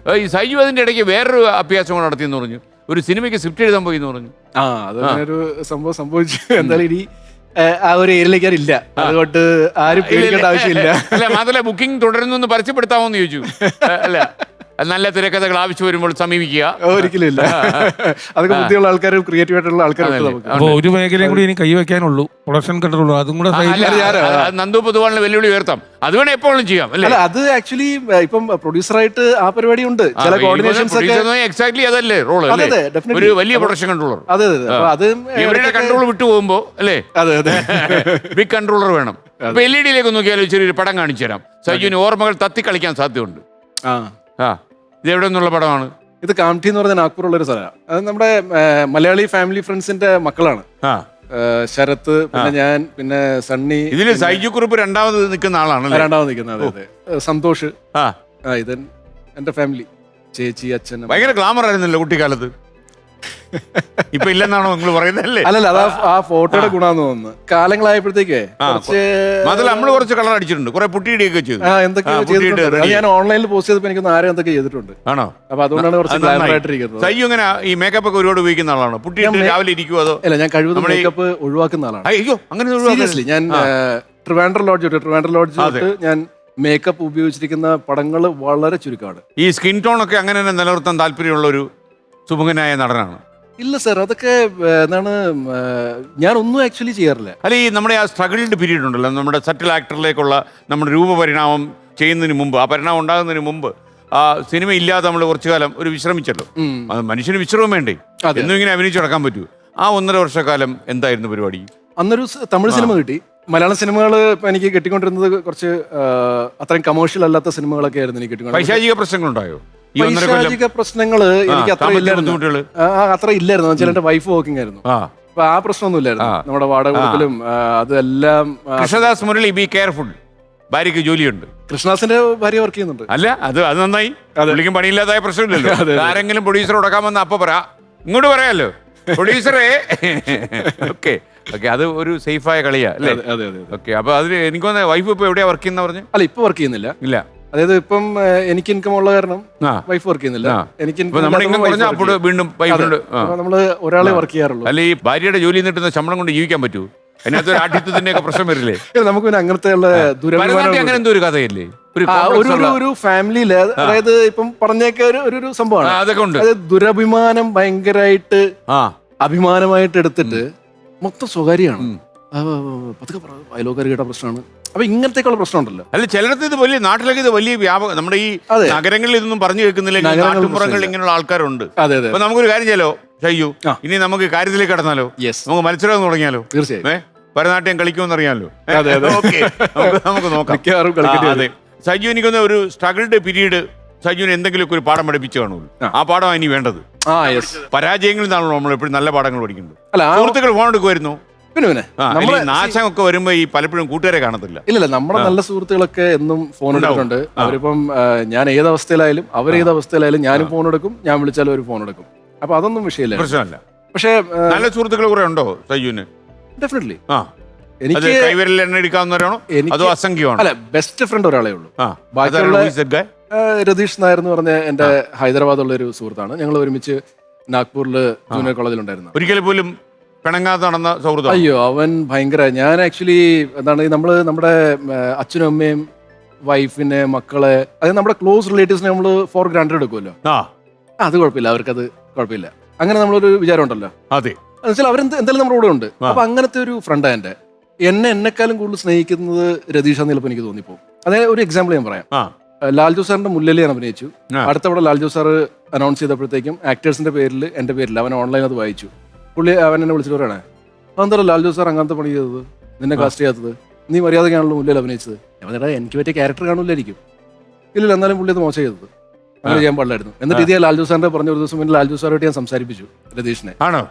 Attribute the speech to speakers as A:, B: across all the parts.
A: ഈ സൈജു അതിന്റെ ഇടയ്ക്ക് വേറൊരു അഭ്യാസം നടത്തിയെന്ന് പറഞ്ഞു. ഒരു സിനിമയ്ക്ക് സ്ക്രിപ്റ്റ് എഴുതാൻ പോയി എന്ന് പറഞ്ഞു.
B: അതൊരു സംഭവം സംഭവിച്ചു. എന്തായാലും ഇനി ആ ഒരു ഏരിയയിലേക്ക് ഇല്ല, അതുകൊണ്ട് ആരും പേടിക്കേണ്ട ആവശ്യമില്ല.
A: അല്ല, മാത്രമല്ല ബുക്കിംഗ് തുടരുന്നു പരസ്യപ്പെടുത്താമോ എന്ന് ചോദിച്ചു. അല്ല, നല്ല തിരക്കഥകൾ ആവശ്യം വരുമ്പോൾ സമീപിക്കുക.
B: ഒരിക്കലും ഇല്ല, അതൊക്കെ ബുദ്ധിയുള്ള ആൾക്കാരും ക്രിയേറ്റീവ് ആയിട്ടുള്ള ആൾക്കാരും.
C: ഒരു മേഖലയും കൂടി ഇനി കൈവയ്ക്കാനുള്ളൂ, പ്രൊഡക്ഷൻ കൺട്രോൾ. അതും കൂടെ
A: നന്ദു പൊതുവാളിന് വെല്ലുവിളി ഉയർത്താം. അത് വേണം എപ്പോഴും ചെയ്യാം. അല്ല,
B: അത് ആക്ച്വലി ഇപ്പം പ്രൊഡ്യൂസറായിട്ട് ആ പരിപാടി ഉണ്ട്. ചില കോർഡിനേഷൻസ്
A: എക്സാക്ട്ലി അതല്ലേ റോള്, ഒരു വലിയ പ്രൊഡക്ഷൻ കൺട്രോളർ.
B: അതെ അതെ, അത്
A: ഇവരുടെ കൺട്രോൾ വിട്ടുപോകുമ്പോ അല്ലേ
B: അതെ അതെ
A: ബിഗ് കൺട്രോളർ വേണം. ഇപ്പൊ LED നോക്കിയാലോ ചെറിയൊരു പടം കാണിച്ചു തരാം. സജുവിന് ഓർമ്മകൾ തത്തി കളിക്കാൻ സാധ്യതയുണ്ട്. ഇത് എവിടെ നിന്നുള്ള പടമാണ്?
B: ഇത് കാംഠി എന്ന് പറഞ്ഞ നാഗ്പൂറുള്ള ഒരു സ്ഥലമാണ്. അത് നമ്മുടെ മലയാളി ഫാമിലി ഫ്രണ്ട്സിന്റെ മക്കളാണ്. ശരത്ത്, പിന്നെ ഞാൻ, പിന്നെ സണ്ണി.
A: ഇതില് സൈജു കുറുപ്പ് രണ്ടാമത് നിൽക്കുന്ന ആളാണ്.
B: രണ്ടാമത് നിൽക്കുന്നത്. അതെ, സന്തോഷ്. ഇത് എന്റെ ഫാമിലി, ചേച്ചി, അച്ഛൻ.
A: ഭയങ്കര ഗ്ലാമർ ആയിരുന്നല്ലോ കുട്ടിക്കാലത്ത്. ഇപ്പൊ ഇല്ലെന്നാണോ നിങ്ങൾ പറയുന്നല്ലേ?
B: അല്ലല്ല, അതാ ആ ഫോട്ടോയുടെ ഗുണാന്ന് തോന്നുന്നു. കാലങ്ങളായപ്പോഴത്തേക്കേ
A: നമ്മള് കുറച്ച് കളർ അടിച്ചിട്ടുണ്ട്, കുറെ പുട്ടിയിടിയൊക്കെ ചെയ്തു.
B: എന്തൊക്കെയോ ചെയ്തിട്ടുണ്ട്. ഞാൻ ഓൺലൈനിൽ പോസ്റ്റ് ചെയ്തപ്പോൾ എനിക്കൊന്ന് ആരും എന്തൊക്കെ ചെയ്തിട്ടുണ്ട്.
A: ആണോ?
B: അപ്പൊ അതുകൊണ്ടാണ് കുറച്ച് ഗ്ലാമർ ആയിട്ടിരിക്കുന്നത്.
A: സയ്യു ഇങ്ങനെ ഈ മേക്കപ്പ് ഒക്കെ ഒരുപാട് ഉപയോഗിക്കുന്ന ആളാണോ? പുട്ടിയിട്ട് രാവിലെ ഇരിക്കുമോ അതോ?
B: അല്ല, ഞാൻ കഴിവതും മേക്കപ്പ് ഒഴിവാക്കുന്ന ആളാണ്.
A: അയ്യോ, അങ്ങനെ
B: സീരിയസ്ലി. ഞാൻ ട്രിവാൻഡ്രം ലോഡ്ജ് ഞാൻ മേക്കപ്പ് ഉപയോഗിച്ചിരിക്കുന്ന പടങ്ങൾ വളരെ ചുരുക്കമാണ്.
A: ഈ സ്കിൻ ടോൺ ഒക്കെ അങ്ങനെ തന്നെ നിലനിർത്താൻ താല്പര്യമുള്ള ഒരു സുമുഖനായ നടനാണ്.
B: ഇല്ല സർ, അതൊക്കെ എന്താണ്, ഞാൻ ഒന്നും ആക്ച്വലി ചെയ്യാറില്ല.
A: അല്ല, ഈ നമ്മുടെ ആ സ്ട്രഗിൾഡ് പീരീഡ് ഉണ്ടല്ലോ, നമ്മുടെ സറ്റിൽ ആക്ടറിലേക്കുള്ള നമ്മുടെ രൂപപരിണാമം ചെയ്യുന്നതിന് മുമ്പ്, ആ പരിണാമം ഉണ്ടാകുന്നതിന് മുമ്പ് ആ സിനിമ ഇല്ലാതെ നമ്മൾ കുറച്ചു കാലം ഒരു വിശ്രമിച്ചല്ലോ. മനുഷ്യന് വിശ്രമം വേണ്ടേ? എന്നും ഇങ്ങനെ അഭിനയിച്ചു നടക്കാൻ പറ്റൂ. ആ 1.5 വർഷക്കാലം എന്തായിരുന്നു പരിപാടി?
B: അന്നൊരു തമിഴ് സിനിമ കിട്ടി. മലയാളം സിനിമകൾ എനിക്ക് കിട്ടിക്കൊണ്ടിരുന്നത് കുറച്ച് അത്രയും കമേഴ്ഷ്യൽ അല്ലാത്ത സിനിമകളൊക്കെ ആയിരുന്നു എനിക്ക് കിട്ടിക്കൊണ്ടിരുന്നത്.
A: പൈശാചിക പ്രശ്നങ്ങളുണ്ടായോ?
B: പൈശാചിക പ്രശ്നങ്ങള് എനിക്ക് അത്ര ഇല്ലായിരുന്നു. വെച്ചാൽ എന്റെ വൈഫ് വർക്കിംഗ് ആയിരുന്നു. അപ്പൊ ആ പ്രശ്നമൊന്നും ഇല്ലായിരുന്നു. നമ്മുടെ വാടക കൊടുക്കലും അതെല്ലാം.
A: കൃഷ്ണദാസ് മുരളി, ബി കെയർഫുൾ, ഭാര്യക്ക് ജോലിയുണ്ട്.
B: കൃഷ്ണദാസിന്റെ ഭാര്യ വർക്ക് ചെയ്യുന്നുണ്ട്.
A: അല്ല, അത് നന്നായി. പുള്ളിക്കും പണിയില്ലാതായ പ്രശ്നമില്ലല്ലോ. ആരെങ്കിലും പ്രൊഡ്യൂസർ ഉടക്കാൻ വന്ന അപ്പൊ പറയാ, ഇങ്ങോട്ട് പറയാലോ പ്രൊഡ്യൂസറെ. ഓക്കെ ഓക്കെ, അത് ഒരു സേഫായ കളിയാ അല്ലേ? ഓക്കെ, അപ്പൊ അതിന് എനിക്കൊന്ന് വൈഫ് ഇപ്പൊ എവിടെയാ വർക്ക് ചെയ്യുന്ന പറഞ്ഞു?
B: അല്ല, ഇപ്പൊ വർക്ക് ചെയ്യുന്നില്ല.
A: ഇല്ല,
B: അതായത് ഇപ്പം എനിക്ക് ഇൻകം ഉള്ള കാരണം വൈഫ് വർക്ക് ചെയ്യുന്നില്ല. എനിക്ക് നമ്മള് ഒരാളെ വർക്ക് ചെയ്യാറുള്ളൂ.
A: അല്ല, ഈ ഭാര്യയുടെ ജോലി കിട്ടുന്ന ശമ്പളം കൊണ്ട് ജീവിക്കാൻ പറ്റൂ? അതിനകത്ത് ഒരു ആഠ്യത്വത്തിന്റെ ഒക്കെ പ്രശ്നം വരില്ലേ?
B: നമുക്ക് പിന്നെ അങ്ങനത്തെ
A: അങ്ങനെ എന്തോ ഒരു കഥയല്ലേ
B: ഒരു ഫാമിലിയില്. അതായത് ഇപ്പം പറഞ്ഞേക്ക ഒരു സംഭവമാണ്.
A: അതൊക്കെ ഉണ്ട്.
B: അതായത് ദുരഭിമാനം ഭയങ്കരമായിട്ട് അഭിമാനമായിട്ട് എടുത്തിട്ട് മൊത്തം സ്വകാര്യമാണ്. അയലോക്കാർ കേട്ട പ്രശ്നമാണ്. അപ്പൊ ഇങ്ങനത്തേക്കുള്ള പ്രശ്നം ഉണ്ടല്ലോ.
A: അല്ല, ചിലടത്ത് ഇത് വലിയ, നാട്ടിലൊക്കെ ഇത് വലിയ വ്യാപകം. നമ്മുടെ ഈ നഗരങ്ങളിൽ ഇതൊന്നും പറഞ്ഞു കേൾക്കുന്നില്ല. നാട്ടുപുറങ്ങളിൽ ഇങ്ങനെയുള്ള ആൾക്കാരുണ്ട്. അപ്പൊ നമുക്കൊരു കാര്യം ചെയ്യാലോ ഷയ്യു, ഇനി നമുക്ക് കാര്യത്തിലേക്ക് കടന്നാലോ? നമുക്ക് മത്സരം തുടങ്ങിയാലോ?
B: തീർച്ചയായും.
A: ഭരതനാട്യം കളിക്കുമെന്ന് അറിയാമല്ലോ. നമുക്ക് നോക്കാം. അതെ, സജു, എനിക്കൊന്ന് ഒരു സ്ട്രഗിൾഡ് പീരീഡ് സജുവിന് എന്തെങ്കിലുമൊക്കെ ഒരു പാഠം പഠിപ്പിച്ചു കാണുള്ളൂ. ആ പാഠമാണ് ഇനി വേണ്ടത്. പരാജയങ്ങളിൽ നിന്നാണല്ലോ നമ്മൾ എപ്പോഴും നല്ല പാഠങ്ങൾ പഠിക്കുന്നത്. സുഹൃത്തുക്കൾ ഫോൺ എടുക്കുമായിരുന്നു. നാശമൊക്കെ വരുമ്പോ ഈ പലപ്പോഴും കൂട്ടുകാരെ കാണത്തില്ല.
B: ഇല്ല, നമ്മുടെ നല്ല സുഹൃത്തുക്കളൊക്കെ എന്നും ഫോൺ എടുക്കുന്നുണ്ട്. അവരിപ്പം ഞാൻ ഏത് അവസ്ഥയിലായാലും അവരേത് അവസ്ഥയിലായാലും ഞാനും ഫോൺ എടുക്കും. ഞാൻ വിളിച്ചാലും ഒരു ഫോൺ എടുക്കും. അപ്പൊ അതൊന്നും വിഷയമില്ല, പ്രശ്നമല്ല. പക്ഷേ നല്ല
A: സുഹൃത്തുക്കൾ കുറെ ഉണ്ടോ സജുവിന്?
B: ഡെഫിനറ്റ്ലി.
A: എനിക്ക് കൈവിരൽ എണ്ണ എടുക്കാവുന്നവരാണോ? അതോ അസംഖ്യമാണോ?
B: അല്ല, ബെസ്റ്റ് ഫ്രണ്ട് ഒരാളേ ഉള്ളൂ. ബാക്കിയുള്ള രതീഷ് നായർ എന്ന് പറഞ്ഞ എന്റെ ഹൈദരാബാദുള്ള ഒരു സുഹൃത്താണ്. ഞങ്ങൾ ഒരുമിച്ച് നാഗ്പൂരിൽ ജൂനിയർ കോളേജിലുണ്ടായിരുന്നു.
A: ഒരിക്കലും പോലും പിണങ്ങാതെ നടന്ന സൗഹൃദം.
B: അയ്യോ, അവൻ ഭയങ്കര. ഞാൻ ആക്ച്വലി എന്താണ്, നമ്മുടെ അച്ഛനും അമ്മയും വൈഫിനെ മക്കളെ, അതായത് നമ്മുടെ ക്ലോസ് റിലേറ്റീവ്സിനെ നമ്മൾ ഫോർ ഗ്രാൻഡഡ് എടുക്കുമല്ലോ. അത് കുഴപ്പമില്ല, അവർക്കത് കുഴപ്പമില്ല. അങ്ങനെ നമ്മളൊരു വിചാരം ഉണ്ടല്ലോ.
A: അതെ,
B: എന്നുവെച്ചാൽ അവരെന്തായാലും നമ്മുടെ കൂടെ ഉണ്ട്. അപ്പൊ അങ്ങനത്തെ ഒരു ഫ്രണ്ടാ എന്റെ. എന്നെക്കാളും കൂടുതൽ സ്നേഹിക്കുന്നത് രതീഷാന്ന് ചിലപ്പോൾ എനിക്ക് തോന്നിപ്പോ. അതായത് ഒരു എക്സാമ്പിൾ ഞാൻ പറയാം. ലാൽജു സാറിന്റെ മുല്ലലി ഞാൻ അഭിനയിച്ചു. അടുത്തവിടെ ലാൽജു സാർ അനൗൺസ് ചെയ്തപ്പോഴത്തേക്കും ആക്ടേഴ്സിന്റെ പേരിൽ എന്റെ പേരിൽ അവൻ ഓൺലൈൻ അത് വായിച്ചു. പുള്ളി അവൻ എന്നെ വിളിച്ചിട്ട് പറയണേ, അതെന്താ ലാൽജു സാർ അങ്ങനത്തെ പണി ചെയ്തത്, നിന്നെ കാസ്റ്റ് ചെയ്യാത്തത്, നീ മര്യാദക്കാണല്ലോ മുല്ലയിൽ അഭിനയിച്ചത്. ഞാൻ എനിക്ക് പറ്റിയ ക്യാരക്ടർ കാണൂലായിരിക്കും. ഇല്ല, എന്നാലും പുള്ളി അത് മോശം ചെയ്തത്, അങ്ങനെ ചെയ്യാൻ പാടില്ലായിരുന്നു. എന്നിട്ട് ഇതേ ലാൽജു സാറിന്റെ പറഞ്ഞ ഒരു ദിവസം മുന്നേ ലാൽജു സാറായിട്ട് ഞാൻ സംസാരിപ്പിച്ചു രതീഷിനെ.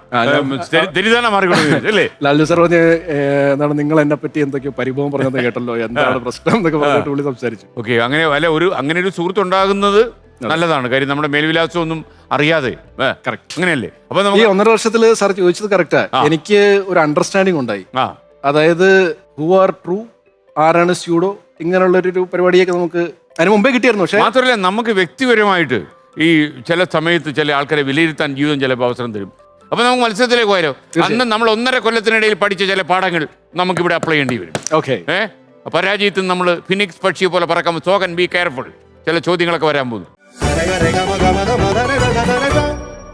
B: ലാൽജു സാർ പറഞ്ഞ്, എന്താണ്, നിങ്ങൾ എന്നെ പറ്റി എന്തൊക്കെയോ പരിഭവം പറഞ്ഞത് കേട്ടല്ലോ, എന്താണ് പ്രശ്നം എന്നൊക്കെ പറഞ്ഞിട്ട് പുള്ളി സംസാരിച്ചു.
A: ഓക്കെ, അങ്ങനെ ഒരു സുഹൃത്ത് ഉണ്ടാകുന്നത് നല്ലതാണ്. കാര്യം നമ്മുടെ മേൽവിലാസം ഒന്നും അറിയാതെ. അങ്ങനെയല്ലേ? അപ്പൊ
B: ഈ 1.5 വർഷത്തില് സാർ ചോദിച്ചത് കറക്റ്റാ. എനിക്ക് ഒരു അണ്ടർസ്റ്റാൻഡിങ് ഉണ്ടായി. അതായത് ഹു ആർ ട്രൂ, ആരാണ് സ്യൂഡോ, ഇങ്ങനെയുള്ള ഒരു പരിപാടിയൊക്കെ നമുക്ക് അതിന് മുമ്പേ കിട്ടിയായിരുന്നു. പക്ഷേ
A: മാത്രമല്ല, നമുക്ക് വ്യക്തിപരമായിട്ട് ഈ ചില സമയത്ത് ചില ആൾക്കാരെ വിലയിരുത്താൻ ജീവിതം ചിലപ്പോൾ അവസരം തരും. അപ്പൊ നമുക്ക് മത്സരത്തിലേക്ക് പോയാലോ? അന്ന് നമ്മൾ 1.5 കൊല്ലത്തിനിടയിൽ പഠിച്ച ചില പാഠങ്ങൾ നമുക്കിവിടെ അപ്ലൈ ചെയ്യേണ്ടി വരും.
B: ഓക്കെ.
A: പരാജയത്തിൽ നമ്മൾ ഫിനിക്സ് പക്ഷിയെ പോലെ പറക്കാൻ, സോ കൻ ബി കെയർഫുൾ. ചില ചോദ്യങ്ങളൊക്കെ വരാൻ പോകുന്നു.